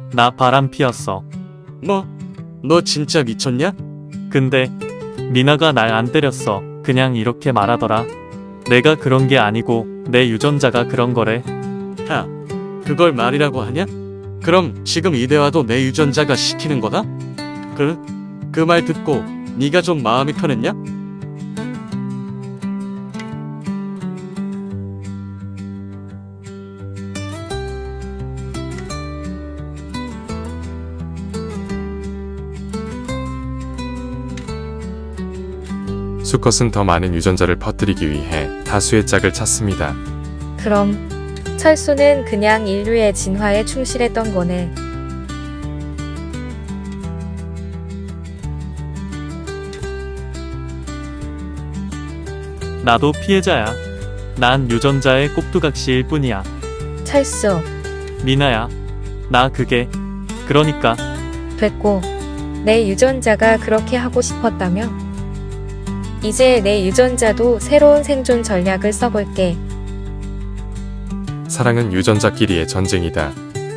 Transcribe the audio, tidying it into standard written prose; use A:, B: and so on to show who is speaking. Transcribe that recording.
A: 나 바람 피웠어.
B: 뭐? 너 진짜 미쳤냐?
A: 근데 미나가 날 안 때렸어. 그냥 이렇게 말하더라. 내가 그런 게 아니고 내 유전자가 그런 거래.
B: 야, 그걸 말이라고 하냐? 그럼 지금 이 대화도 내 유전자가 시키는 거다? 그 말 듣고 네가 좀 마음이 편했냐?
C: 수컷은 더 많은 유전자를 퍼뜨리기 위해 다수의 짝을 찾습니다.
D: 그럼 철수는 그냥 인류의 진화에 충실했던 거네.
A: 나도 피해자야. 난 유전자의 꼭두각시일 뿐이야.
D: 철수,
A: 미나야. 나 그게 그러니까
D: 됐고. 내 유전자가 그렇게 하고 싶었다며? 이제 내 유전자도 새로운 생존 전략을 써볼게.
C: 사랑은 유전자끼리의 전쟁이다.